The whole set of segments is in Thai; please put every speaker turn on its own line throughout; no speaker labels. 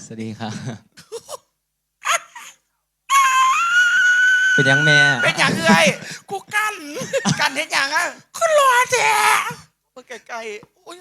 สวัสดีครับเป็นยังแม่
เป็นอย่างเอ้ยกูกันเห็นอย่างอ่ะคุณรอแท้มึงไกลๆอุ้ย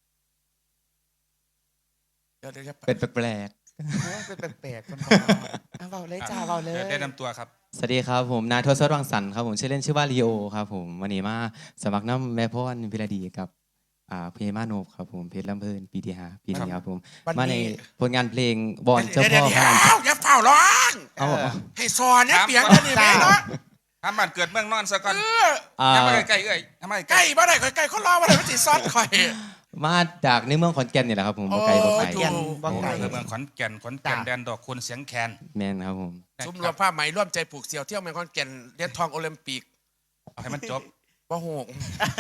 เดี๋ยวจะ
เป็นแปลก
เป็นแปลกๆคนเบาเลยจ้าเบาเลย
ได้นำตัวครับ
ๆสวัสดีครับผมนายทศวังสรรค์ครับผมชื่อเล่นชื่อว่าลีโอครับผมวันนี้มาสมัครน้ำแม่พ่อนพิรดีกับเพลงมาโนบครับผมเพชรลำเพลินปีที่5ปีนี้ครับผมมาในผลงานเพลงบอลเจ้าพ่อพระราช
อย่าเฝ้าร้องให้สอนเนี่ยเปียงกันนี่แม่เนาะ
ทำบ้านเกิดเมืองนอนซะก่อนทำไมใกล้เอ้ยทำไม
ใกล้บ้านไหนใกล้เขารอบ้านไหนมันสิซอดคอย
มาจากในเมืองขอนแก่นนี่แหละครับผมบ่ไกลบ่ไกล
เมืองขอนแก่นแดนดอกคุณเสียงแคน
แม่นครับผม
ซุ้มรวมผ้าไหมร่วมใจผูกเสี่ยวเที่ยวเมืองขอนแก่นเหรียญทองโอลิมปิก
ให้มันจบ
บ่โหก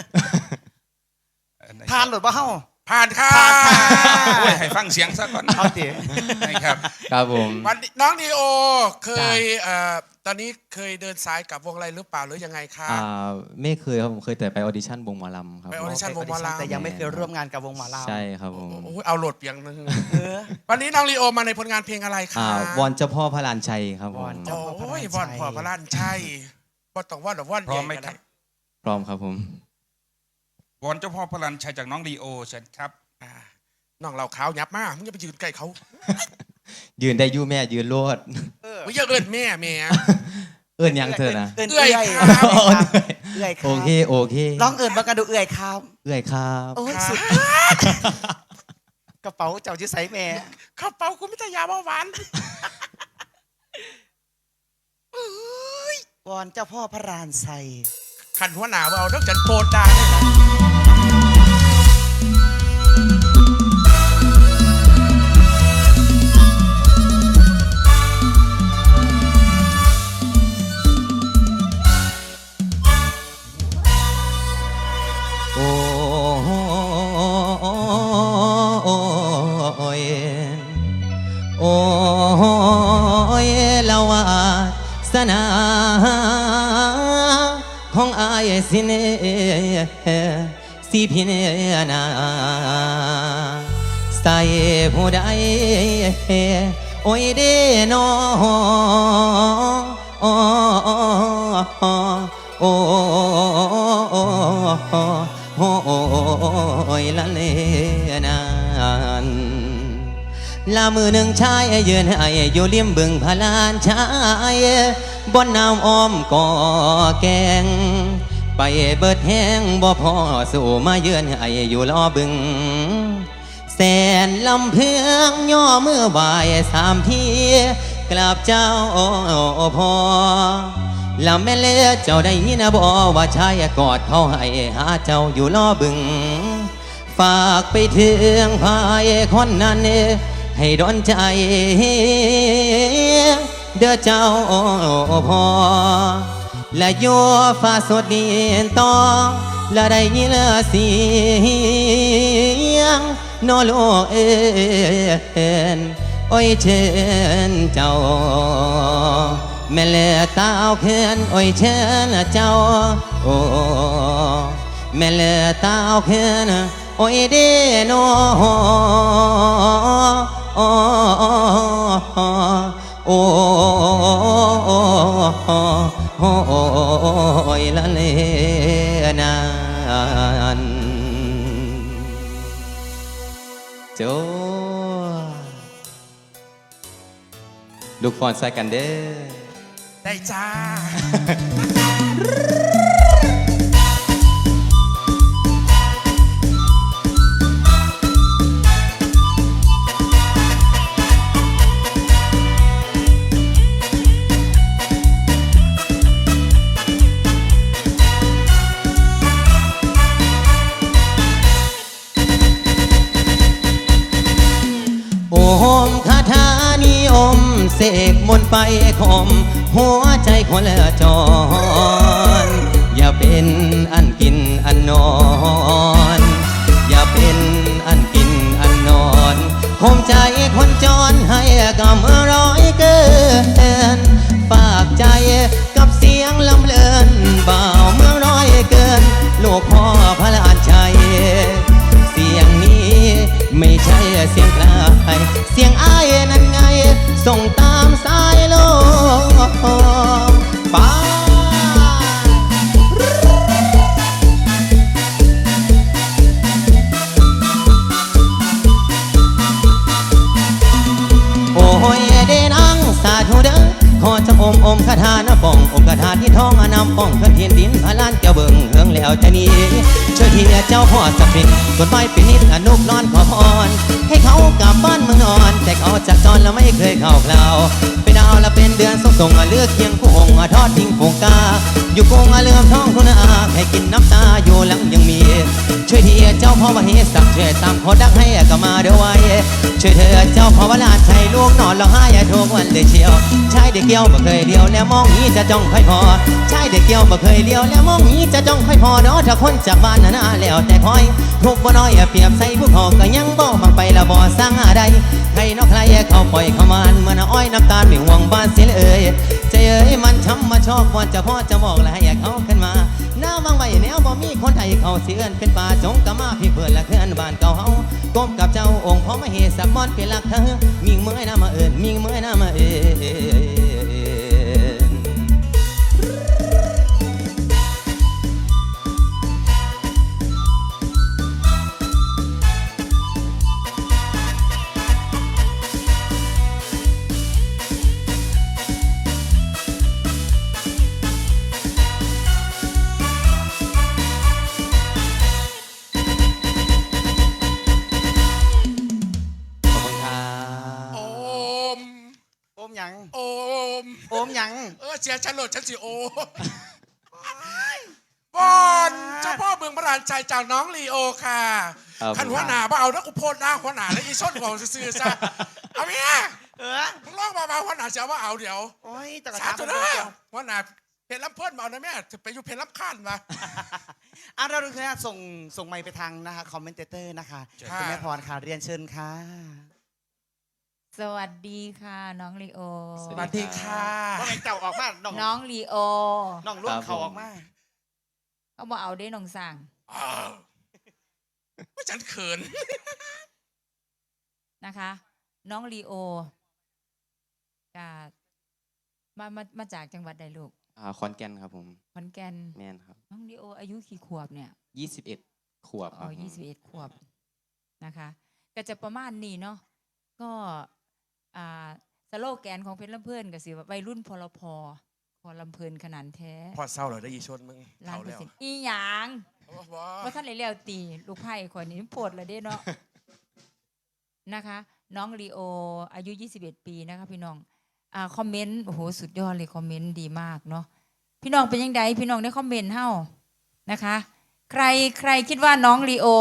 ผ่านหรือเปล่า
ผ่านค่ะ
ให้ฟังเสียงซะก่อน
เอาเตี๋ย
ครับครับผม
วันน้องดีโอเคยตอนนี้เคยเดินสายกับวงอะไรหรือเปล่าหรือยังไงคะ
ไม่เคยครับผมเคยแต่ไปออดิชั่นวงหมอลำครับ
ไปออดิชั่นวงหมอลำ
แต่ยังไม่เคยร่วมงานกับวงหมอลำ
ใช่ครับผม
เอาโหลดเปียงนึงวันนี้น้องลีโอมาในผลงานเพลงอะไรคะ
วอนเจ้าพ่อพระลานชัยครับผม
โอ้ยวอนพ่อพระลานชัยว่าต้องว่าหรือว่าน
พร้อมไหมครับ
พร้อมครับผม
วอนเจ้าพ่อพระลานชัยจากน้องลีโอเชิญครับ
น้องเราขาวยับมากมึงอย่าไปยืนใกล้เขา
ยืนได้ยู่แม่ยืนโลด
มึงอย่าเอิ้นแม่
เอิ้นยังเธอนะ
เอื้อยครับ
เอื้อยครับ
โอเค
ลองเอิ้นมากระดูเอื้อยครับ
เอื้อยครับ
โอ้ยสุดกระเป๋าเจ้าชื่อไซแม่
กระเป๋ากูไม่ใช่ยาเบาหวาน
วอนเจ้าพ่อพระรานไซ
ขันหัวหนาวเอาต้องจันโปดได้
สนาของอายสิเนสิพิเนนาใส่ผู้ใดโอ้ยเดนอโอ้ยละเลนานลามือหนึ่งชายยืนให้อยู่ริมบึงพลานชายบนน้ำอ้อมก่อแกงไปเบิดแห้งบ่พอสู่มาเยือนให้อยู่ล้อบึงแสนลำเพืองย่อมือบ่าย3 ทีกราบเจ้าพอลำแม่เลือเจ้าได้ยินบ่ว่าชายกอดเขาให้หาเจ้าอยู่ล้อบึงฝากไปถึงพายคนนั้นให้ดนใจเด้อเจ้าพอและโยฟ้าสดดินต่อและได้ยินเสียงนอโลกเอ็นโอ้ยเชิญเจ้าแม่เลือตาเอาเขินโอ้ยเชิญเจ้าโอ้แม่เลือตาเอาเขินโอ้ยเดโนโอ้ยละเลนานโจลูกฟอนใส่กันเด้อ
ได้จ้า
คาถานิยมเสกมนต์ไปข่มหัวใจคนละจรอย่าเป็นอันกินอันนอนอย่าเป็นอันกินอันนอนข่มใจคนจรให้กับเมื่อร้อยเกินฝากใจกับเสียงลำเลินบ่าวเมื่อร้อยเกินลูกพ่อพระลานชัยเสียงนี้ไม่ใช่เสียงใครเสียงอ้ายนั่นไงส่งตามสายลมไปโอ้ยเดนังสาธุเด้อขอจะอมคาถานะป้องคาถาที่ท้องอนำป้องขึ้นเทียนดินพลานแก้วเบิ่งเฮืองแล้วจะนี้ช่วยเทียเจ้าพ่อสักพินกดไม้เป็นนิดอนุกนอนขอพรให้เขากลับบ้านเมืองนอน แต่เขาจากจรแล้วไม่เคยเข้าคราวเป็นดาวและเป็นเดือนส่งเลือกเคียงคู่องทอดทิ้งโคงกาอยู่คงเลื่อมท้องคุณอาให้กินน้ำตาอยู่หลังยังมีช่วยเทียเจ้าพ่อมาเฮสักช่วยตามขอดักให้ก็มาเดี๋ยวไว้ช่วยเธอเจ้าพ่อวลาใช้ลูกนอนร้องไห้ทุกวันเลยเชียวชายเด็กเกี่ยวบ่เคยเดียวแล้วมองนี้จะจ้องค่อยพอชายเด็กเกี่ยวบ่เคยเดียวแล้วมองนี้จะจ้องค่อยพอเนาะถ้าคนจากบ้านน่ะแล้วแต่คอยทุกบ่น้อยเปรียบใส่ผู้พอก็ยังบ่บังไปละบ่สร้างอะไรใครนอกใครเขาปล่อยเขามันเมื่ออ้อยน้ำตาลไม่ห่วงบ้านเสียเลยใจเอ้ยมันช้ำมาชอบวันจะพ่อจะบอกและให้เขาขึ้นมาหน้าวังไว้แนวบ่มีคนไทยเขาเสือนเป็นป่าจงกะมาพี่เพื่อนและเพื่อนบ้านเก่าเฮาก้มกับเจ้าองค์พ่อมาเฮสักมอนเป็นหลักเธอมิงเมื่อยน้ามาเอิญมิงเมื่อยน้ามาเอิญ
โอม
โอมหยัง
โอม
โอมหยัง
เสียฉันโหลดฉันสิโอมบอลเจ้าพ่อเมืองพระรานชัยจากน้องลีโอค่ะขันหัวหน้าบ่เอานะกูโพดหน้าหัวหน้าแล้วอีส้นของซื่อๆซะเอาเมียมึงลองมาหัวหน้าเสียว่าเอาเดี๋ยว
โอ้ยตะกะ
สา
ตา
ธุ
ผม
นะ
เดียว
หัวหน้าเพลลำเพิ่นมาเอานะแม่จะไปอยู่เพลลำข้านมา
เราดูนะส่งไมค์ไปทางนะคะคอมเมนเตอร์นะคะคุณแม่พรค่ะเรียนเชิญค่ะ
สวัสดีค่ะน้องลีโอ
สวัสดีค่ะ
ว่าไงเจ้าออกมาน้
น้องลีโอ
องร่วมเขาออกมา
เขาบอกเอาได้น้องสั่ง
อ้าวว่าฉันเขิน
นะคะ น้องลีโอมาจากจังหวัดใดลูก
ขอนแก่นครับผม
ขอนแก่น
แม่นครับ
น้องลีโออายุกี่ขวบเนี่ย
21 ขวบค
อ๋
รั
อบ 21 ขวบนะคะ ก็จะประมาณนี้เนาะก็สโลแกนของเพชรลำเพิ่นก็สิว่าวัยรุ่นพลพพอลำเพลินขนาดแท้
พอเศร้าเลยได้ยีชนมึง
ล้าน
เท่า
เปอ
แล้
ร์
ว
เซ็นต์อีหยัง
ว้า
ว่าท่านเลยเลี้ยวตีลูกไผ่คนนี้โปวดเลยเด้เนาะ นะคะ น้องลีโออายุ21 ปีนะคะพี่น้องคอมเมนต์โอ้โหสุดยอดเลยคอมเมนต์ดีมากเนาะพี่น้องเป็นยังไงพี่น้องได้คอมเมนต์เฮ้านะคะ ใครคิดว่าน้องลีโอ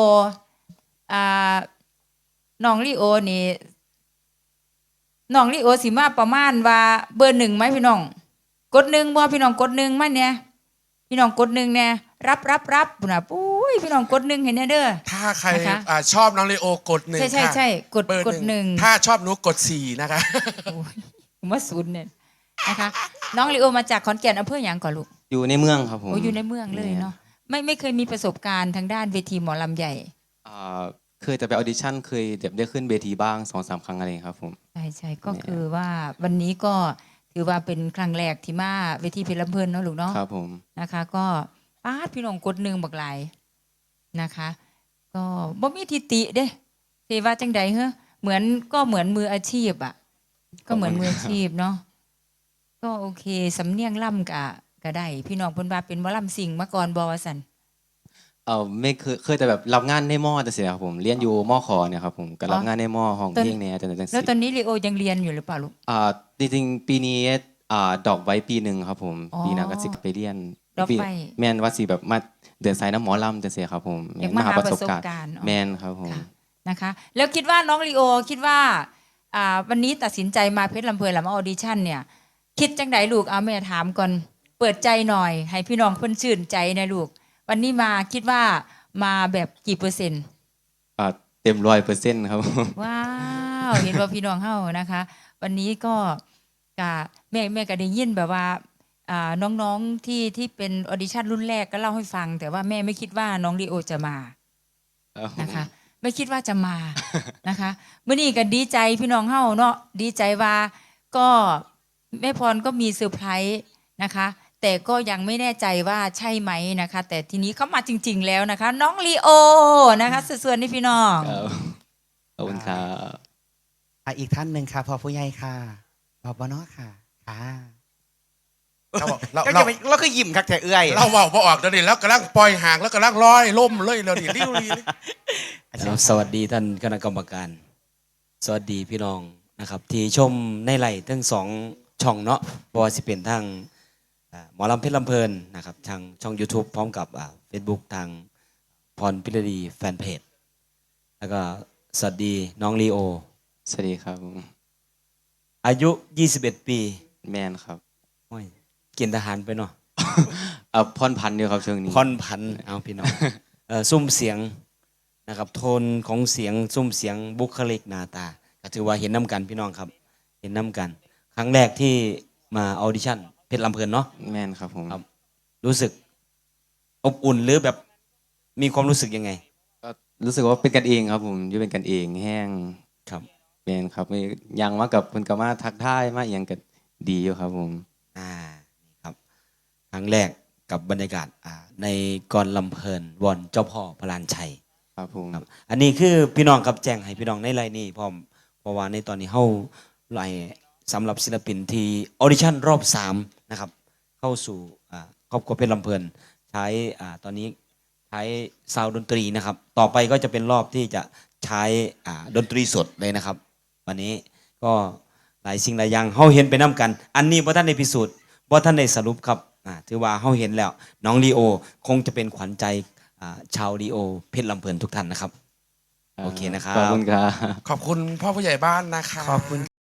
น้องลีโอนี่น้องลีโอสิมาประมาณว่าเบอร์ 1ไหมพี่น้องกด 1บ่พี่น้องกด 1มาเนี่ยพี่น้องกด 1เนี่ยรับปุ่นน่ะปุ้ยพี่น้องกด 1เห็นแน่เด้อ
ถ้าใคร
นะคะ
ชอบน้องเลโอกด1
ใช่
ค่ะ
ใช่กด
เบอร์
กด 1
ถ้าชอบหนูกด4นะคะ
โอ้ยผมว่าศูนย์เนี่ยนะคะ น้องลีโอมาจากขอนแก่นอำเภอหยังก่อนลูก
อยู่ในเมืองครับผม
โอ้อยู่ในเมืองเลยเนาะไม่เคยมีประสบการณ์ทางด้านเวทีหมอลำใหญ่
เคยจะไปออดิชั่นเคยได้ขึ้นเวทีบ้าง 2-3 ครั้งอะไรครับผม
ใช่ก็คือว่าวันนี้ก็ถือว่าเป็นครั้งแรกที่มาเวทีเพชรลำเพลินเนาะลูกเนาะ
ครับผม
นะคะ ก็ป้าดพี่น้องกด 1บักหลายนะคะ ก็บ่มีทิติเด้เทว่าจังใดเหรอเหมือนมืออาชีพอ่ะก็เหมือนมืออาชีพเนาะก็โอเคสำเนียงล่ำก็ได้พี่น้องเพิ่นว่าเป็นหมอลำสิ่งมาก่อนบ่ว่าซั่น
ไม่เคยแต่แบบรับงานในมอแต่เสียครับผมเรียนอยู่มอขอเนี่ยครับผมก็รับงานในมอห้องเพลงเนี่ยจัง
แล้วตอนนี้ลีโอยังเรียนอยู่หรือเปล่าลูก
จริงๆปีนี้ดอกไว้ปีหนึ่งครับผม
อ๋อ
ปีหน้าก็สิไปเรียน
ดอกไว้
แมนว่าสิแบบมาเดินสายน้ำหมอลำจังเสียครับผม
อยากมาหาประสบการณ์
แมนครับผม
ค่ะนะคะ แล้วคิดว่าน้องลีโอคิดว่าวันนี้ตัดสินใจมาเพชรลำเพลินแล้วมาออดิชั่นเนี่ย คิดจังไดลูกเอาแม่ถามก่อนเปิดใจหน่อย ให้พี่น้องเพิ่นชื่นใจนะลูก วันนี้มาคิดว่ามาแบบกี่เปอร์เซ็นต์
เต็ม100%ครับผม
ว้าวเห็นว่าพี่น้องเฮานะคะ วันนี้ก็แม่ก็ได้ยินแบบว่าน้องๆที่เป็นออดิชั่นรุ่นแรกก็เล่าให้ฟัง แต่ว่าแม่ไม่คิดว่าน้องลีโอจะมานะคะไม่คิดว่าจะมานะคะมื้อนี้ก็ดีใจพี่น้องเฮาเนาะดีใจว่าก็แม่พรก็มีเซอร์ไพรส์นะคะ แต่ก็ยังไม่แน่ใจว่าใช่ไหมนะคะ แต่ทีนี้เขามาจริง ๆ แล้วนะคะ น้องลีโอนะคะส่วนๆนี่พี่น้อง
ครับขอบคุณครับ
อีกท่านหนึ่งค่ะพอผู้ใหญ่ค่ะบอบเนาะค่ะค่ะ
เราบอก
เราคือยิ้มคักแต่เอื้อย
เราเว่าบ่ออกเดี๋ยวนี้แล้วกำลังปล่อยห่างแล้วกำลังลอยล่มเลยเดี๋ยวนี้ริ้วรี
ครับสวัสดีท่านคณะกรรมการ สวัสดีพี่น้องนะครับ ที่ชมในไลน์ทั้งสองช่องเนาะเพราะว่าสิเป็นทางหมอลำเพชรลำเพลินนะครับทางช่อง YouTube พร้อมกับFacebook ทางพรพิรดีแฟนเพจแล้วก็สวัสดีน้องลีโอ
สวัสดีครับ
อายุ 21 ปี
แมนครับ
โอ้ยเกณฑ์ทหารไปเนาะ
พรพันธ์อยู่ครับช่วงนี้
พรพันธุ์เอาพี่น้อง ซุ้มเสียงนะครับโทนของเสียงซุ้มเสียงบุคลิกหน้าตาก็ถือว่าเห็นน้ำกันพี่น้องครับ เห็นน้ำกัน ครั้งแรกที่มาออดิชั่นเพชรลำเพลินเนาะ
แมนครับผม
ครับ รู้สึกอบอุ่นหรือแบบมีความรู้สึกยังไง
ก็รู้สึกว่าเป็นกันเองครับผมอยู่เป็นกันเองแห้ง
ครับ
แมนครับไม่ยังมากับเพิ่นก็มาทักทายมาอหยังก็ดีอยู่ครับผม
นี่ครับครั้งแรกกับบรรยากาศในกรลำเพลินวอนเจ้าพ่อพลานชัย
ครับผม
ครับอันนี้คือพี่น้องครับแจ้งให้พี่น้องในไลน์นี้พร้อมเพราะว่าในตอนนี้เฮาไลน์สำหรับศิลปินที่ออดิชั่นรอบ3นะครับเข้าสู่ครอบครัวเพชรลำเพลินใช้ตอนนี้ใช้ซาวด์ดนตรีนะครับต่อไปก็จะเป็นรอบที่จะใช้ดนตรีสดเลยนะครับ วันนี้ก็หลายสิ่งหลายอย่างเฮาเห็นไปน้กัน อันนี้บ่ท่านได้พิสูจน์บ่ท่านได้สรุปครับถือว่าเฮาเห็นแล้วน้องลีโอคงจะเป็นขวัญใจชาวลีโอเพชรลำเพลินทุกท่านนะครับ โอเคนะครับ
ขอบคุณครับ
ขอบคุณพ่อผู้ใหญ่บ้านนะคะ
ขอบคุณ